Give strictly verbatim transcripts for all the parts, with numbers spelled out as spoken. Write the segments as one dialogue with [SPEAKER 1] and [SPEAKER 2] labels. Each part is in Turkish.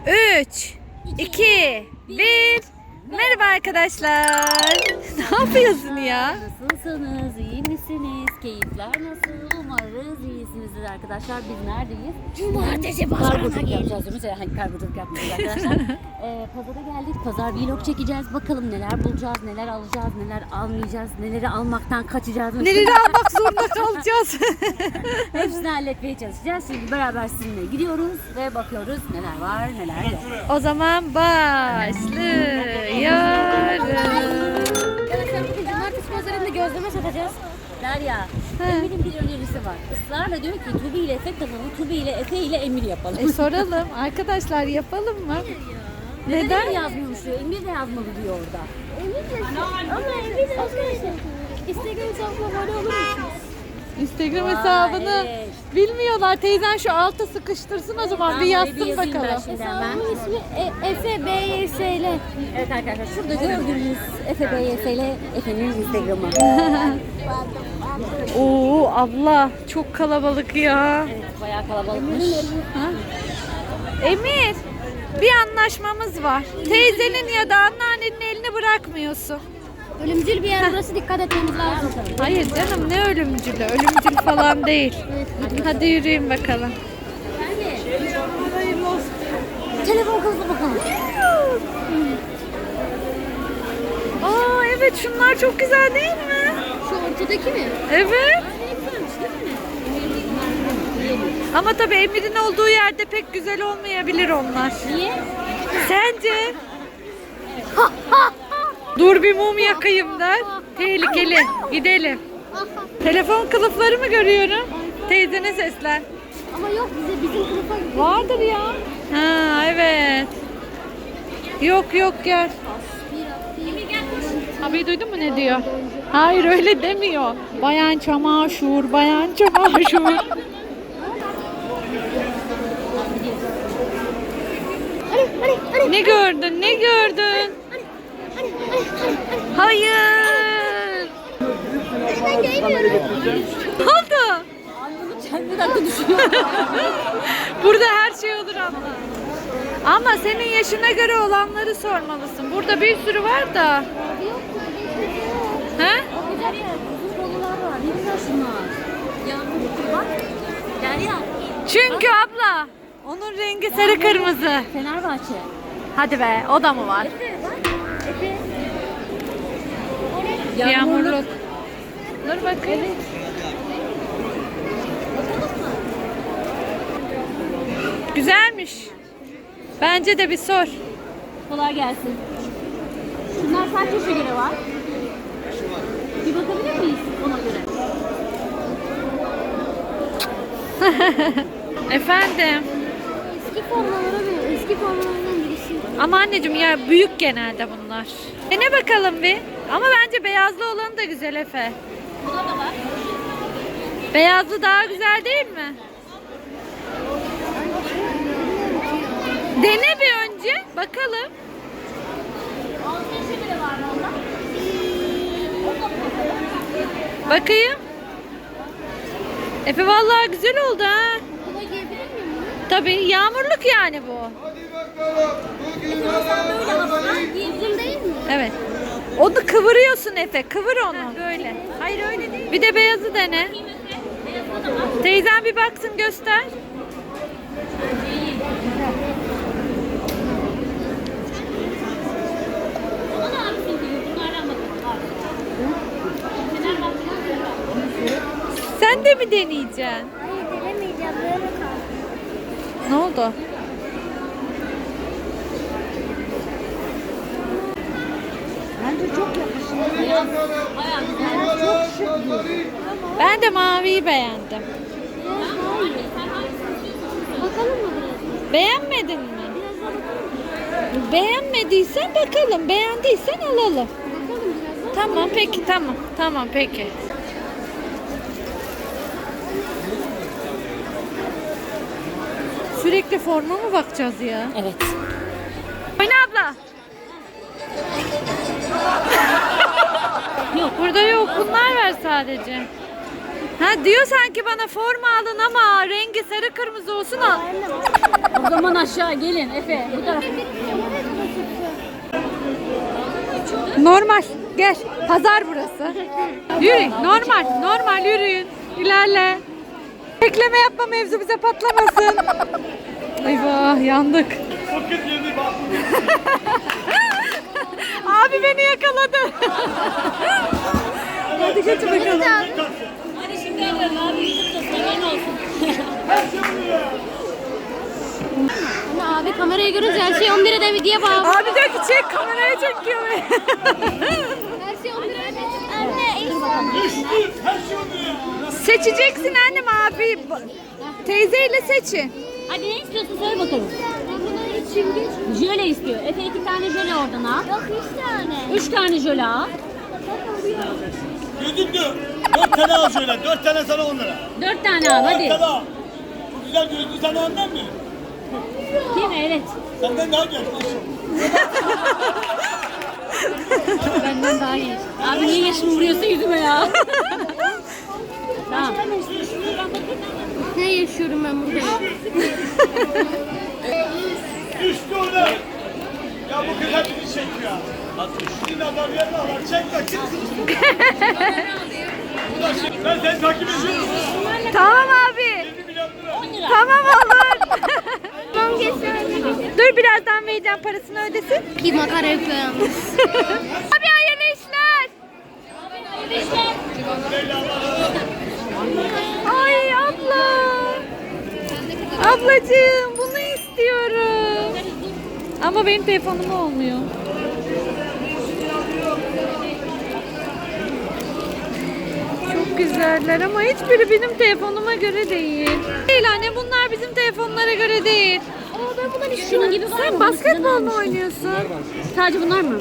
[SPEAKER 1] üç, iki, bir. Merhaba arkadaşlar. Ne yapıyorsun ya?
[SPEAKER 2] Nasılsınız? İyi misiniz? Keyifler nasıl? Umarız iyisinizdir arkadaşlar. Biz neredeyiz?
[SPEAKER 1] Cumartesi pazarına
[SPEAKER 2] Kargoculuk
[SPEAKER 1] geldik.
[SPEAKER 2] yapacağız. Mesela hani kargoculuk yapmayacağız arkadaşlar. ee, pazara geldik. Pazar vlog çekeceğiz. Bakalım neler bulacağız, neler alacağız, neler almayacağız, neleri almaktan kaçacağız.
[SPEAKER 1] Neleri almak zorunda kalacağız?
[SPEAKER 2] Hepsini halletmeye çalışacağız. Şimdi beraber sizinle gidiyoruz ve bakıyoruz neler var, neler yok.
[SPEAKER 1] O zaman başlıyoruz.
[SPEAKER 2] Arkadaşlar bugün cumartesi pazarında gözleme satacağız. Derya, Emir'in bir önerisi var. Israrla diyor ki Tubi ile Efe kanalı, Tubi ile Efe ile Emir yapalım.
[SPEAKER 1] E soralım arkadaşlar, yapalım mı?
[SPEAKER 2] Neden,
[SPEAKER 1] Neden?
[SPEAKER 2] Emir yazmıyormuş diyor, Emir de yazmalı diyor orada.
[SPEAKER 3] Emir de ama Emir de arkadaşlar Instagram hesabına abone olur musunuz?
[SPEAKER 1] Instagram
[SPEAKER 2] Vay,
[SPEAKER 1] hesabını
[SPEAKER 2] evet.
[SPEAKER 1] bilmiyorlar. Teyzen şu alta sıkıştırsın o zaman,
[SPEAKER 2] Tamam,
[SPEAKER 1] bir
[SPEAKER 2] öyle
[SPEAKER 1] yazsın
[SPEAKER 2] bir yazayım ben
[SPEAKER 1] bakalım.
[SPEAKER 2] şimdi.
[SPEAKER 3] Hesabımın ismi e- Efe B Y S L.
[SPEAKER 2] Evet arkadaşlar, şurada gördüğünüz Efe B Y S ile Efe'nin Instagram'ı.
[SPEAKER 1] Oo abla, çok kalabalık ya.
[SPEAKER 2] Evet, bayağı kalabalıkmış.
[SPEAKER 1] Ha? Emir, bir anlaşmamız var. Teyzenin ya da anneannenin elini bırakmıyorsun.
[SPEAKER 3] Ölümcül bir yer burası, dikkat etmemiz lazım.
[SPEAKER 1] Hayır canım, ne ölümcülü? Ölümcül falan değil. Hadi yürüyün bakalım.
[SPEAKER 2] Telefon kılıfı bakalım.
[SPEAKER 1] Aa evet, şunlar çok güzel değil mi?
[SPEAKER 3] Şu ortadaki mi?
[SPEAKER 1] Evet.
[SPEAKER 3] Ne güzelmiş değil mi?
[SPEAKER 1] Ama tabii Emir'in olduğu yerde pek güzel olmayabilir onlar.
[SPEAKER 2] Niye?
[SPEAKER 1] Sence? Dur bir mum yakayım der. Tehlikeli. Gidelim. Telefon kılıfları mı görüyorum? Teyzene seslen.
[SPEAKER 3] Ama yok, bize bizim kılıfa gibi.
[SPEAKER 1] Vardır ya. Ha evet. Yok yok, gel. Abi duydun mu ne diyor? Hayır öyle demiyor. Bayan çamaşır, bayan çamaşır. Ne gördün? Ne gördün? Hayır.
[SPEAKER 3] Ben göremiyorum.
[SPEAKER 1] Ne oldu?
[SPEAKER 2] Bir dakika düşünüyorum.
[SPEAKER 1] Burada her şey olur abla. Ama senin yaşına göre olanları sormalısın. Burada bir sürü var da. He?
[SPEAKER 2] Güzel yer, uzun kollular var. Ne güzel şunlar. Yağmur bak. Derya.
[SPEAKER 1] Çünkü abla onun rengi sarı kırmızı.
[SPEAKER 2] Fenerbahçe.
[SPEAKER 1] Hadi be, o da mı var?
[SPEAKER 2] Efe bak. Efe.
[SPEAKER 1] Yağmurluk. Dur bakayım. Güzelmiş. Bence de bir sor.
[SPEAKER 2] Kolay gelsin. Şunlar kaç yaşa göre var? Bir bakabilir miyiz ona göre?
[SPEAKER 1] Efendim.
[SPEAKER 3] Eski formalara göre, eski formalardan birisi.
[SPEAKER 1] Ama anneciğim ya, büyük genelde bunlar. Dene bakalım bir. Ama bence beyazlı olanı da güzel Efe.
[SPEAKER 2] Buna da var.
[SPEAKER 1] Beyazlı daha güzel değil mi? Dene bir önce. Bakalım.
[SPEAKER 2] altı yaşa göre var mı onda?
[SPEAKER 1] Bakayım. Efe vallahi güzel oldu ha.
[SPEAKER 3] Buna giyebilir miyim?
[SPEAKER 1] Tabii yağmurluk yani bu.
[SPEAKER 2] Böyle havalar
[SPEAKER 3] Giyebilir değil mi?
[SPEAKER 1] Evet. Onu kıvırıyorsun Efe. Kıvır onu. Böyle. Hayır öyle değil. Bir de beyazı dene. Teyzen bir baksın, göster.
[SPEAKER 2] Ona da abisin gibi bunlardan bakalım. Fenerbahçe'den var.
[SPEAKER 1] Sen de mi deneyeceksin?
[SPEAKER 3] Hayır, denemeyeceğim. Böyle kaldı.
[SPEAKER 1] Ne oldu?
[SPEAKER 2] Bence çok yakışıyor. Beyaz. Bayağı güzel. Çok şık bu.
[SPEAKER 1] Ben de maviyi beğendim.
[SPEAKER 3] Biraz daha iyi. Bakalım mı biraz?
[SPEAKER 1] Beğenmedin mi?
[SPEAKER 3] Biraz daha bakalım mı?
[SPEAKER 1] Beğenmediysen bakalım. Beğendiysen alalım.
[SPEAKER 3] Bakalım biraz daha.
[SPEAKER 1] Tamam peki, tamam. Tamam peki. Sürekli forma mı bakacağız ya?
[SPEAKER 2] Evet.
[SPEAKER 1] Oyna abla. Yok burada yok. Bunlar var sadece. Ha diyor sanki bana forma alın ama rengi sarı kırmızı olsun al.
[SPEAKER 2] O zaman aşağı gelin Efe. Bu tarafa.
[SPEAKER 1] Normal. Gel. Pazar burası. Yürü. Normal. Normal yürüyün. İlerle. Bekleme yapma mevzu bize patlamasın. Eyvah yandık. Abi beni yakaladı. Hadi geç bakalım.
[SPEAKER 2] Hadi şimdi geliyorum abi. YouTube'da seven olsun.
[SPEAKER 3] Ama abi kamerayı görünce her şey on bire de diye bağlı.
[SPEAKER 1] Abi diyor ki çek kameraya çekiyor beni.
[SPEAKER 3] Her şey on bire de. Anne
[SPEAKER 1] Seçeceksin annem abi. Teyzeyle seçin.
[SPEAKER 2] Hadi ne istiyorsun söyle bakalım. Jöle istiyor. Efe iki tane jöle oradan al.
[SPEAKER 3] Yok üç tane.
[SPEAKER 2] Üç tane jöle al.
[SPEAKER 4] Gözüktü. Dört tane al şöyle. Dört tane sana on lira.
[SPEAKER 2] Dört tane al
[SPEAKER 4] Dört
[SPEAKER 2] hadi.
[SPEAKER 4] tane al. Bu güzel gözlü sana ondan mı?
[SPEAKER 2] Değil mi? Evet.
[SPEAKER 4] Senden daha genç.
[SPEAKER 2] Benden daha iyi. Abi niye yaşımı vuruyorsun yüzüme ya? Tamam.
[SPEAKER 3] Ne yaşıyorum ben burada?
[SPEAKER 4] Düştü ona. Ya bu kız hep bizi çekiyor. Şimdi adam yerine alır. Çek de kim? Bu da şimdi. Ben seni takip ediyorum.
[SPEAKER 1] Tamam abi.
[SPEAKER 4] yirmi milyon lira.
[SPEAKER 1] Tamam olur.
[SPEAKER 3] Tamam geçsin.
[SPEAKER 1] Dur birazdan vereceğim parasını ödesin.
[SPEAKER 3] Bir makara yapıyor yalnız.
[SPEAKER 1] Abi hayırlı işler. Ay abla. Ablacığım bunu istiyorum. Ama benim telefonum olmuyor. Çok güzeller ama hiçbiri benim telefonuma göre değil. Değil anne bunlar bizim telefonlara göre değil.
[SPEAKER 2] Aa ben bundan istiyorum. Şunun gibi var
[SPEAKER 1] Sen
[SPEAKER 2] mı?
[SPEAKER 1] basketbol mu oynuyorsun?
[SPEAKER 2] Sadece bunlar mı?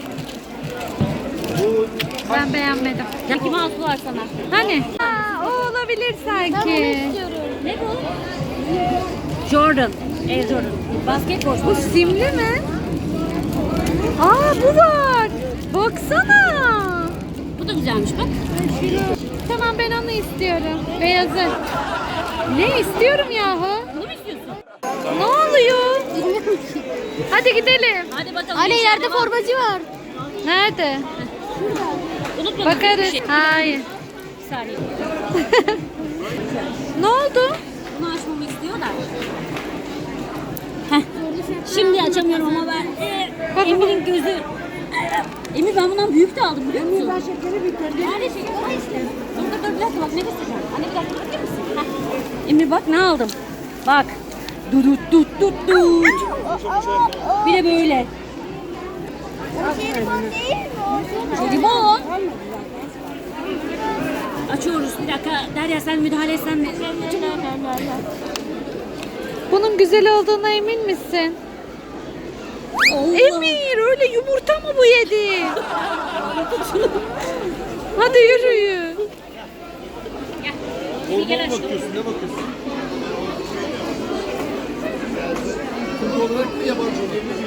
[SPEAKER 1] Ben beğenmedim.
[SPEAKER 2] Mickey Mouse var sana.
[SPEAKER 1] Hani? Aa, o olabilir
[SPEAKER 3] Ben bunu
[SPEAKER 1] sanki.
[SPEAKER 3] istiyorum.
[SPEAKER 2] Ne bu? Jordan. Air Jordan. Basketbol.
[SPEAKER 1] Bu simli mi? Aa bu var. Baksana.
[SPEAKER 2] Bu da güzelmiş bak.
[SPEAKER 1] Tamam ben onu istiyorum. Beyazı. Ne istiyorum yahu?
[SPEAKER 2] Bunu mu istiyorsun?
[SPEAKER 1] Ne oluyor?
[SPEAKER 3] Bilmiyorum ki.
[SPEAKER 1] Hadi gidelim.
[SPEAKER 2] Hadi bakalım.
[SPEAKER 3] Anne
[SPEAKER 2] İnşallah
[SPEAKER 3] ileride
[SPEAKER 2] var.
[SPEAKER 3] formacı var.
[SPEAKER 1] Nerede?
[SPEAKER 2] Unutma.
[SPEAKER 1] Bakarız.
[SPEAKER 2] Bir şey.
[SPEAKER 1] Hayır.
[SPEAKER 2] Bir saniye.
[SPEAKER 1] Ne oldu?
[SPEAKER 2] Bunu açmamı istiyorlar. Heh. Şimdi açamıyorum ama ben. Ee,
[SPEAKER 1] Bak,
[SPEAKER 2] Emir'in gözü. Emir ben bundan büyük de aldım biliyor musun? Ben şekeri bitirdim. Nerede şeker? Var işte. Dur dur dur bir dakika bak ne göstereceğim. Anne bir dakika bakar mısın? Heh. Emir bak ne aldım. Bak. Dudut dut dut dut. Bir de böyle.
[SPEAKER 3] Jelibon değil mi?
[SPEAKER 2] Jelibon. Açıyoruz bir dakika. Derya sen müdahale etsen mi?
[SPEAKER 1] Bunun güzel olduğuna emin misin?
[SPEAKER 2] Allah.
[SPEAKER 1] Emir öyle yumurta mı bu yedi? Hadi yürüyün.
[SPEAKER 2] Bir gel aşkım.
[SPEAKER 4] bakıyorsun? Ne bakıyorsun? Türk olarak mı yabancı olarak mı?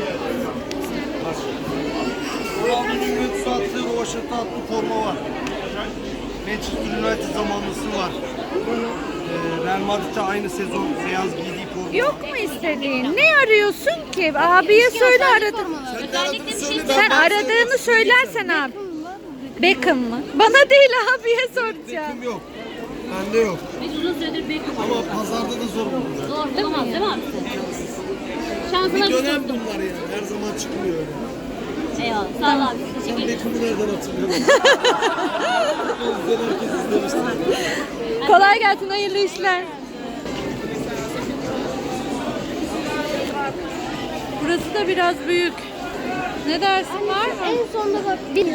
[SPEAKER 4] Ronaldo'nun Juventus'a attığı, Rovaşat'a attığı forma var. Manchester United zamanlısı var. Ee, Real Madrid'de aynı sezon beyaz giydiği forma.
[SPEAKER 1] Yok mu istediğin? Ne arıyorsun ki? Abiye söyle aradın.
[SPEAKER 2] Özellikle bir şey
[SPEAKER 1] Sen aradığını söylersen abi. Beckham mı? Bana değil abiye soracağım.
[SPEAKER 4] Kim yok? Bende yok.
[SPEAKER 2] Biz uzun süredir bekliyoruz.
[SPEAKER 4] Ama pazarda da zor bulunur.
[SPEAKER 2] Zor bulamaz değil mi abi? Şansına
[SPEAKER 4] Bir
[SPEAKER 2] bir
[SPEAKER 4] dönem
[SPEAKER 2] tuttum.
[SPEAKER 4] bunlar yani. Her zaman çıkmıyor öyle.
[SPEAKER 2] Eyvallah. Sağ ol abi.
[SPEAKER 4] Ben
[SPEAKER 2] Teşekkür ederim.
[SPEAKER 4] Beckham'ı nereden hatırlıyorum? Bizden herkes izlemiştir.
[SPEAKER 1] Kolay gelsin, hayırlı işler. Burası da biraz büyük. Ne dersin, var mı?
[SPEAKER 3] En sonunda bak. Bir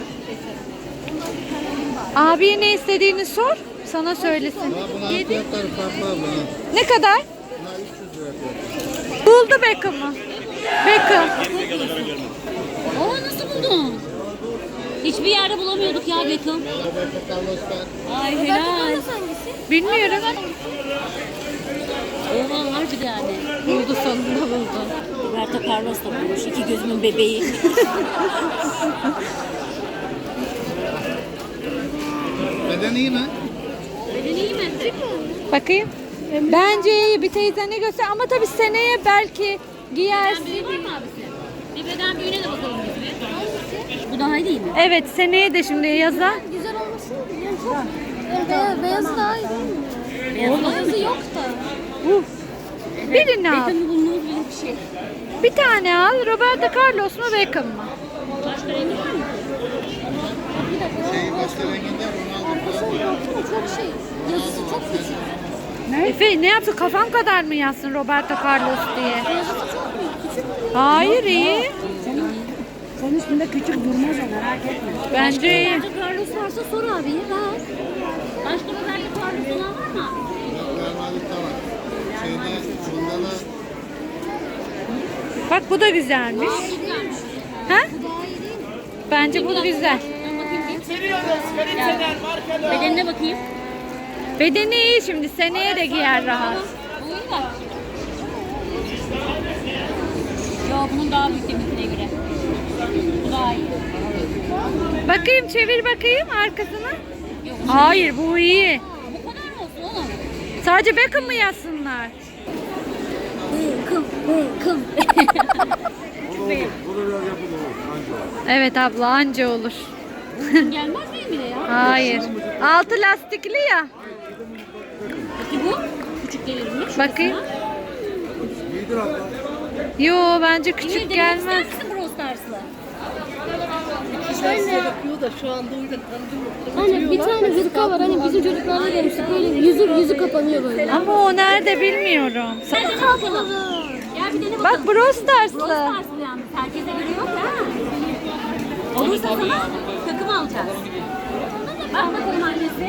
[SPEAKER 1] Abiye ne istediğini sor, sana söylesin. Yedi. Ne kadar? Buldu Beckham'ı. Beckham.
[SPEAKER 2] Oo nasıl buldun? Hiçbir yerde bulamıyorduk ya Beckham. Ay helal.
[SPEAKER 3] hangisi?
[SPEAKER 1] Bilmiyorum.
[SPEAKER 2] Oha harbi de yani.
[SPEAKER 1] Buldu, sonunda buldu.
[SPEAKER 2] Roberto Carlos da bulmuş. İki gözümün bebeği.
[SPEAKER 5] Beden iyi mi?
[SPEAKER 1] Bakayım. Bence iyi, bir teyzene göster ama tabii seneye belki giyersin.
[SPEAKER 2] Büyüğü var mı abisi? Bir beden büyüğüne de bakalım biz bir. Bu daha iyi değil mi?
[SPEAKER 1] Evet, seneye de şimdi yaza.
[SPEAKER 3] Güzel olmasın mı? Yani çok yani beyaz, beyaz daha iyi değil mi?
[SPEAKER 2] Beyaz var mı?
[SPEAKER 3] Beyazı yok da.
[SPEAKER 1] Uf. Birini al.
[SPEAKER 2] Beckham'ı bulunduğu gibi bir şey.
[SPEAKER 1] Bir tane al. Roberto Carlos mu Beckham mı?
[SPEAKER 2] Başka rengi var mı?
[SPEAKER 3] Bir dakika.
[SPEAKER 4] Şey başka renginde Ronaldo
[SPEAKER 3] Arkasına baktım çok şey. Yazısı çok küçük.
[SPEAKER 1] Efe ne yaptı? Kafam kadar mı yazsın Roberto Carlos diye?
[SPEAKER 3] Yazısı çok büyük. Küçük mü?
[SPEAKER 1] Hayır iyi.
[SPEAKER 2] Senin üstünde küçük durmaz o, merak etme.
[SPEAKER 1] Bence iyi.
[SPEAKER 3] Roberto Carlos varsa sor abiye ver.
[SPEAKER 2] Başka Roberto Carlos olan var mı?
[SPEAKER 4] Real Madrid'de var. Şeyde Ronaldo
[SPEAKER 1] Bak bu da güzelmiş.
[SPEAKER 2] Güzelmiş.
[SPEAKER 1] Ha?
[SPEAKER 3] Bu daha iyi değil mi?
[SPEAKER 1] Bence bu güzel.
[SPEAKER 2] Ben bakayım bir. Bedenine bakayım.
[SPEAKER 1] Bedeni iyi şimdi. Seneye de giyer rahat.
[SPEAKER 2] Bu iyi bak. Yo, bunun daha büyük deminkine göre. Bu daha iyi.
[SPEAKER 1] Bakayım çevir bakayım arkasına.
[SPEAKER 2] Yok,
[SPEAKER 1] Hayır bu iyi.
[SPEAKER 2] bu kadar mı olsun oğlum?
[SPEAKER 1] Sadece Beckham mı yazsınlar?
[SPEAKER 3] Beckham, Beckham.
[SPEAKER 1] Evet abla anca olur.
[SPEAKER 2] Bunun gelmez mi Emine ya?
[SPEAKER 1] Hayır. Altı lastikli ya.
[SPEAKER 2] Peki bu? Küçük gelir mi? Şurasına.
[SPEAKER 1] Bakayım. Yo bence
[SPEAKER 2] Emine,
[SPEAKER 1] küçük
[SPEAKER 2] denemek
[SPEAKER 1] gelmez.
[SPEAKER 2] ister misin Brawl Stars'la?
[SPEAKER 3] Hani bir tane hırka var hani bizim çocuklarla görmüştük böyle yüzü yüzü kapanıyor böyle.
[SPEAKER 1] Ama o nerede bilmiyorum.
[SPEAKER 2] Gel dene bakalım. Gel bir dene bakalım.
[SPEAKER 1] Bak Brawl
[SPEAKER 2] Brawl
[SPEAKER 1] Stars'lı.
[SPEAKER 2] Stars'lı yalnız. Herkese göre yok ha. Olursa sana takım alacağız. Bak bakalım annesi.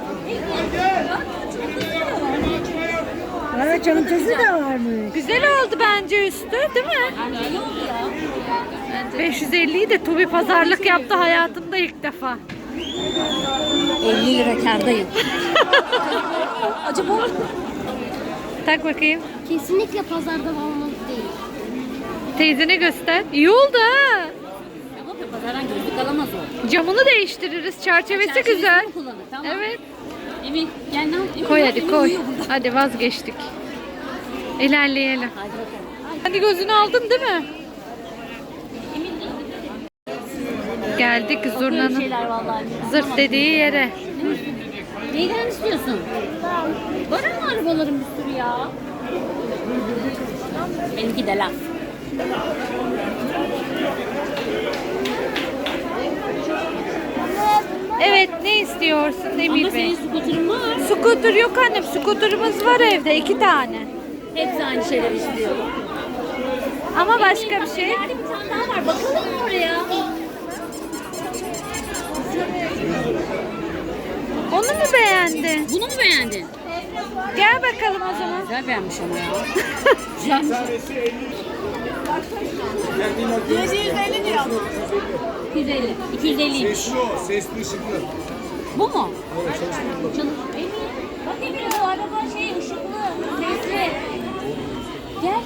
[SPEAKER 5] Ara çantası da varmış.
[SPEAKER 1] Güzel oldu bence üstü değil mi?
[SPEAKER 2] Anne iyi oldu ya.
[SPEAKER 1] beş yüz elliyi de Tobi pazarlık yaptı hayatımda ilk defa.
[SPEAKER 2] elli lira kârdayım.
[SPEAKER 3] Acaba
[SPEAKER 1] Tak bakayım.
[SPEAKER 3] kesinlikle pazarda almalı değil.
[SPEAKER 1] Teyzene göster. İyi oldu ha.
[SPEAKER 2] Ama pazardan gözlük alamaz o.
[SPEAKER 1] Camını değiştiririz. Çerçevesi
[SPEAKER 2] Çerçevesini
[SPEAKER 1] güzel.
[SPEAKER 2] mi kullanır? Tamam.
[SPEAKER 1] Evet.
[SPEAKER 2] Emin gel ne yap? Emin,
[SPEAKER 1] Koy
[SPEAKER 2] gel,
[SPEAKER 1] hadi
[SPEAKER 2] Emin
[SPEAKER 1] koy.
[SPEAKER 2] uyuyor burada.
[SPEAKER 1] Hadi vazgeçtik. İlerleyelim.
[SPEAKER 2] Hadi bakalım.
[SPEAKER 1] Hadi gözünü aldın değil mi?
[SPEAKER 2] Emin de gidelim.
[SPEAKER 1] Geldik
[SPEAKER 2] Böyle
[SPEAKER 1] zurnanın
[SPEAKER 2] şeyler vallahi.
[SPEAKER 1] zırt dediği yere.
[SPEAKER 2] Neyden istiyorsun? Var mı arabaların bir sürü ya? Benimki de laf.
[SPEAKER 1] Evet ne istiyorsun
[SPEAKER 2] Ama
[SPEAKER 1] Emir Bey?
[SPEAKER 2] senin skuterın var.
[SPEAKER 1] Skuter yok annem. Skuterımız var evde iki tane.
[SPEAKER 2] Hepsi aynı şeyler istiyor.
[SPEAKER 1] Ama başka bir şey.
[SPEAKER 2] İleride bir tane daha var. Bakalım mı oraya?
[SPEAKER 1] Onu mu beğendin?
[SPEAKER 2] Bunu mu beğendin?
[SPEAKER 1] Gel bakalım o zaman.
[SPEAKER 2] Güzel beğenmiş ama ya. Güzelmiş. iki yüz elli. iki yüz elli.
[SPEAKER 4] Sesli o, sesli ışıklı.
[SPEAKER 2] Bu mu? Çalış. Emir. Bak Emir o araba şey ışıklı. Sesli. Gel.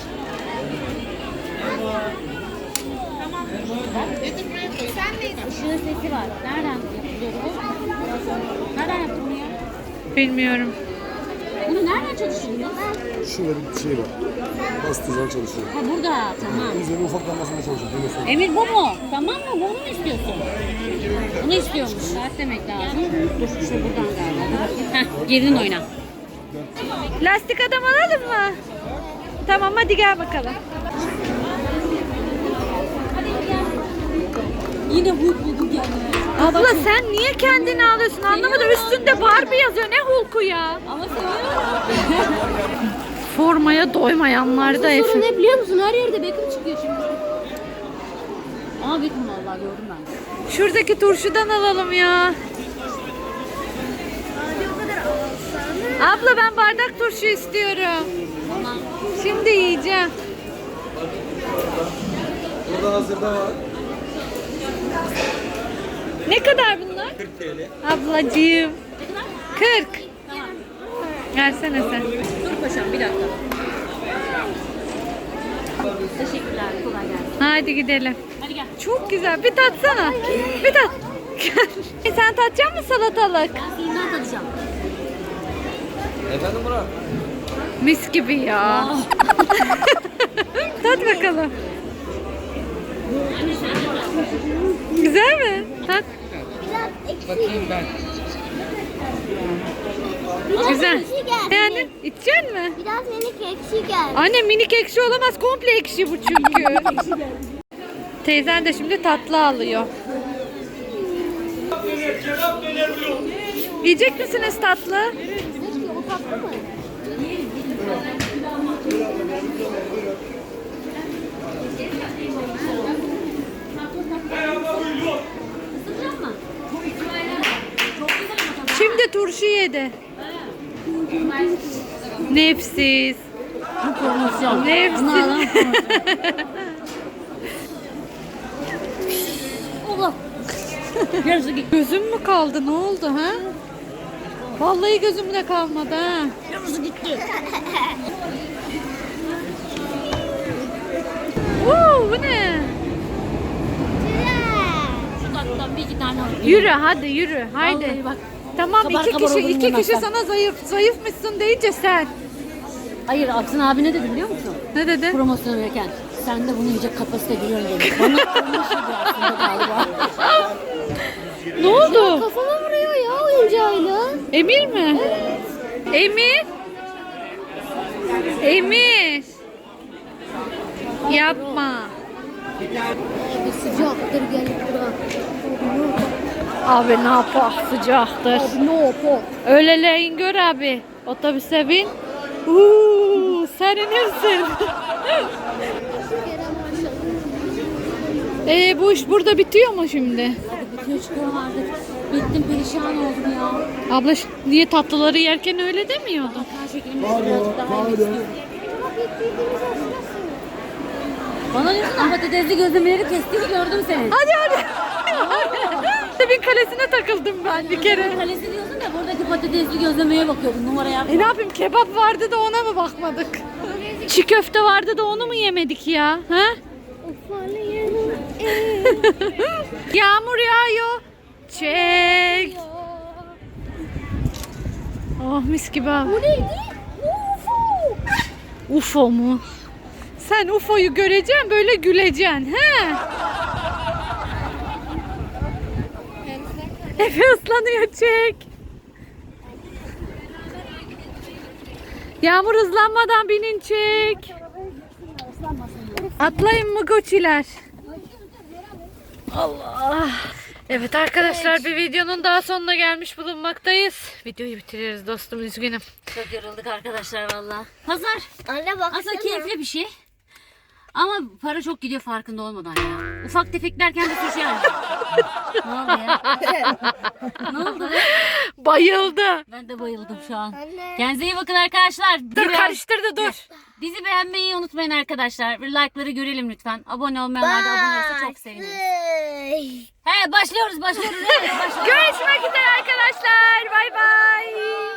[SPEAKER 2] Işığın sesi var. Nereden yapılıyor bu? Nereden yaptın bunu ya?
[SPEAKER 1] Bilmiyorum.
[SPEAKER 2] Bunu nereden çalıştırdınız?
[SPEAKER 6] Şöyle bir şey var. Bastıracaksın çalışıyor.
[SPEAKER 2] Ha burada. Tamam.
[SPEAKER 6] Üzerine ufak lambasına çalışıyor. Böyle sonra.
[SPEAKER 2] Emir bu mu? Tamam mı? Bunu mu istiyorsun? Bunu istiyormuş. Saat demek lazım. Dur şu buradan galiba. Heh, girdin oyna.
[SPEAKER 1] Lastik adam alalım mı? Tamam hadi gel bakalım.
[SPEAKER 2] Yine Hulk buldum kendime.
[SPEAKER 1] Abla sen niye kendini alıyorsun anlamadım. Üstünde Barbie yazıyor. Ne Hulk'u ya?
[SPEAKER 2] Ama seviyorum.
[SPEAKER 1] Formaya doymayanlar da
[SPEAKER 3] Sorun
[SPEAKER 1] Efe.
[SPEAKER 3] ne biliyor musun? Her yerde Beckham çıkıyor şimdi.
[SPEAKER 2] Ama Beckham vallahi gördüm ben.
[SPEAKER 1] Şuradaki turşudan alalım ya. Abla ben bardak turşu istiyorum.
[SPEAKER 2] Tamam.
[SPEAKER 1] Şimdi yiyeceğim.
[SPEAKER 6] Burada hazırda var.
[SPEAKER 1] Ne kadar bunlar?
[SPEAKER 6] kırk TL.
[SPEAKER 1] Ablacığım.
[SPEAKER 2] Ne kadar?
[SPEAKER 1] kırk.
[SPEAKER 2] Tamam.
[SPEAKER 1] Versene sen.
[SPEAKER 2] Dur paşam bir dakika. Teşekkürler. Kolay gelsin.
[SPEAKER 1] Hadi gidelim.
[SPEAKER 2] Hadi gel.
[SPEAKER 1] Çok güzel. Bir tatsana. Bir tat. E sen tatacak mısın salatalık?
[SPEAKER 2] Ben suyundan tadacağım.
[SPEAKER 7] Efendim Murat?
[SPEAKER 1] Mis gibi ya. Tat bakalım. Güzel mi? Tat.
[SPEAKER 7] Bakayım ben.
[SPEAKER 1] Güzel.
[SPEAKER 3] Ekşi geldi.
[SPEAKER 1] Yani içecek mi?
[SPEAKER 3] Biraz minik ekşi geldi.
[SPEAKER 1] Anne minik ekşi olamaz. Komple ekşi bu çünkü. Teyzen de şimdi tatlı alıyor. Yiyecek misiniz tatlı?
[SPEAKER 3] O tatlı mı?
[SPEAKER 1] Şimdi turşu yedi. Nefsiz.
[SPEAKER 2] Promosyon.
[SPEAKER 1] Nefsiz.
[SPEAKER 2] Allah. Yarısı gitti.
[SPEAKER 1] Gözüm mü kaldı? Ne oldu ha? Vallahi gözümde kalmadı ha.
[SPEAKER 2] Yarısı gitti.
[SPEAKER 1] Oo, bu ne?
[SPEAKER 2] Şu tatlıdan bir iki tane alayım.
[SPEAKER 1] Yürü hadi yürü. Haydi.
[SPEAKER 2] Vallahi bak.
[SPEAKER 1] Tamam
[SPEAKER 2] Kabar
[SPEAKER 1] iki
[SPEAKER 2] kabar
[SPEAKER 1] kişi
[SPEAKER 2] olurum
[SPEAKER 1] iki kişi
[SPEAKER 2] yemezsen.
[SPEAKER 1] sana zayıf zayıfmışsın deyince sen.
[SPEAKER 2] Hayır Aksin abi ne dedi biliyor musun?
[SPEAKER 1] Ne dedi?
[SPEAKER 2] Promosyon verirken sen de bunu yiyecek kapasite biliyorsun dedi. Bana kırmış gibi aslında galiba.
[SPEAKER 1] Ne oldu?
[SPEAKER 3] Kafama vuruyor ya oyuncağıyla.
[SPEAKER 1] Emir mi? Emir. Emir. Yapma.
[SPEAKER 3] Bir sıcaktır gelip bura.
[SPEAKER 1] Abi ne yapar sıcaktır.
[SPEAKER 3] Abi ne yapalım?
[SPEAKER 1] Öğleleyin gör abi. Otobüse bin. Uuu serinirsin. Ee, bu iş burada bitiyor mu şimdi?
[SPEAKER 2] Hadi bitiyor çıkıyorum artık. Bittim perişan oldum ya.
[SPEAKER 1] Abla ş- niye tatlıları yerken öyle demiyordun?
[SPEAKER 2] Her şeklimiz birazcık daha yemek istiyorum. Bana diyorsun da patatesli gözlemeleri kestiğini gördüm senin.
[SPEAKER 1] Hadi hadi. Bir kalesine takıldım ben bir kere.
[SPEAKER 2] Kalesi diyorsun da buradaki patatesli gözlemeye bakıyordum numara yapma.
[SPEAKER 1] E ne yapayım kebap vardı da ona mı bakmadık? Çiğ köfte vardı da onu mu yemedik ya? Ha? Yağmur yağıyor. Çek. Oh mis gibi abi.
[SPEAKER 3] Bu neydi? Ufo.
[SPEAKER 1] U F O mu? Sen U F O'yu göreceksin böyle güleceksin. He? Efe ıslanıyor çek. Yağmur hızlanmadan binin çek. Atlayın mı goçiler? Allah. Evet arkadaşlar bir videonun daha sonuna gelmiş bulunmaktayız. Videoyu bitiririz dostum üzgünüm.
[SPEAKER 2] Çok yorulduk arkadaşlar valla. Pazar
[SPEAKER 3] Anne baksana.
[SPEAKER 2] aslında keyifli bir şey. Ama para çok gidiyor farkında olmadan ya. Ufak tefek derken de suç yani. Ne oldu ya? Ne oldu be?
[SPEAKER 1] Bayıldı.
[SPEAKER 2] Ben de bayıldım şu an.
[SPEAKER 3] Anne.
[SPEAKER 2] Kendinize iyi bakın arkadaşlar.
[SPEAKER 1] Dur
[SPEAKER 2] Bizi beğen-
[SPEAKER 1] karıştırdı dur.
[SPEAKER 2] Bizi beğenmeyi unutmayın arkadaşlar. Bir like'ları görelim lütfen. Abone olmayanlar da abone olursa çok seviniriz.
[SPEAKER 3] Bye.
[SPEAKER 2] He başlıyoruz başlıyoruz. Evet, başlıyoruz.
[SPEAKER 1] Görüşmek üzere arkadaşlar. Bay bay.